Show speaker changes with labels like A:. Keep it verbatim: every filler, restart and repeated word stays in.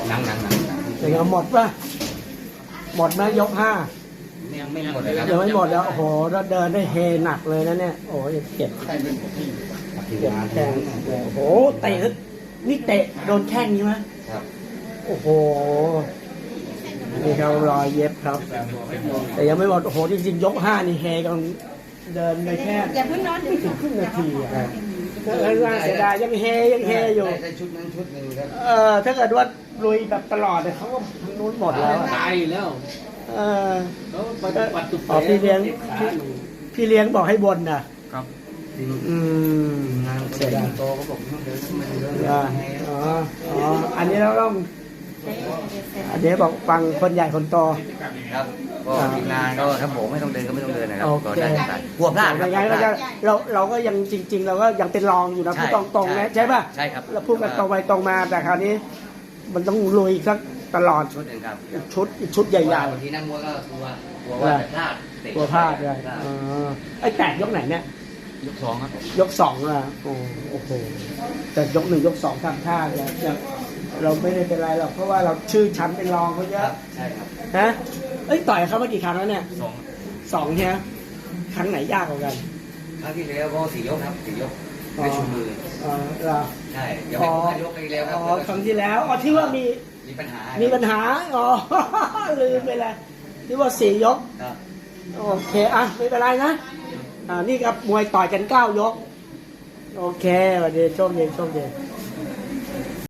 A: หนังหนังหนัง
B: อย่างเงี้ยหมดป่ะหมดไหมยกห้า
A: ยังไม่หมดเลยครับ
B: ยังไม่หมดแล้วโอ้โหแล้วเดินได้เฮหนักเลยนะเนี่ยโอ้ยเจ็บเจ็บแข้งโอ้โหเตะนี่เตะโดนแข้งใช่ไหม
A: ครับ
B: โอ้โหนี่ครับรอยเย็บครับ แต่ยังไม่หมดโอ้โหจริงๆยกห้านี่เฮกำลังเดินไปแค่
C: อย่าเพิ่งนอน
B: ไม่ถึงครึ่งนาทีอะครับแล้วน่าเสียดายยังเฮยังเฮอยู่
A: ได้ชุดนั้นชุดหนึ่งครับ
B: เออถ้าเกิดว่าลุยแบบตลอดเนี่ยเขาก็ทางนู้นหมดแล้วอะ
D: ตายแล้ว
B: เออ
D: แล้วปัดปัดตุก
B: อ๋อพี่เลี้ยงพี่พี่เลี้ยงบอกให้บนนะครับ อืมเสียดาย
A: โตเขาบอกต้องเดินขึ้นมาเดิน
B: อ่าอ๋ออ๋ออันนี้เราต้องอันนี้บอกฟังคนใหญ่คนโต
A: ครับก็ทีมงานก็ถ้าผมไม่ต้องเดินก็ไม่ต้องเดินนะครับ
B: โอเค
A: ก็ได้ครับกลัวพลาดค
B: ไม่
A: รับ
B: งั้นเราจะเราเราก็ยังจริง ๆ เราก็ยังเป็นรองอยู่นะ
A: ใช่
B: พูดตรงๆนะใช่ป่ะ
A: ใช่ครับ
B: เราพูดกันตรงไปตรงมาแต่คราวนี้ มันต้องลุยสักตลอด
A: ชุดหนึ่งครับ
B: ชุดอีกชุดใหญ่
A: บางทีนักมวยก็กลัวกลัวว่าจะพลาดเตะ
B: ๆตัวพลาดเลยอ๋อไอ้แตกยกไหนเนี่ย
D: ยกสองครับ
B: ยกสองอ่ะโอ้โอ้โหแต่ยกหนึ่งยกสองทำท่าเลยยังเราไม่ได้เป็นไรหรอกเพราะว่าเราชื่อชั้นเป็นรองเขาเย
A: ค
B: อะ
A: รับใช่ครับ
B: ฮะเอ้ยต่อยเขามากี่ครั้งแล้วเนี่ย
A: สอง
B: สองใช่ไหมครั้งไหนยากกว่ากัน
A: ครั้งที่แล้วก็สี่ยกครับสี่ยกไม่ชูมือ
B: อ๋อเหรอ
A: ใช่ยังไม่ครบห้ายกไปแล้วครั
B: อ๋
A: บ
B: อครั้งที่แล้วอ๋อที่ว่ามี
A: มีปัญหา
B: มีปัญหาอ๋อ ลืมไปเลยที่ว่าสี่ยก
A: ครับ
B: โอเคอ่ะไม่เป็นไรนะอ่านี่ครับมวยต่อยกันเก้ายกโอเคสวัสดีโชคดีโชคดี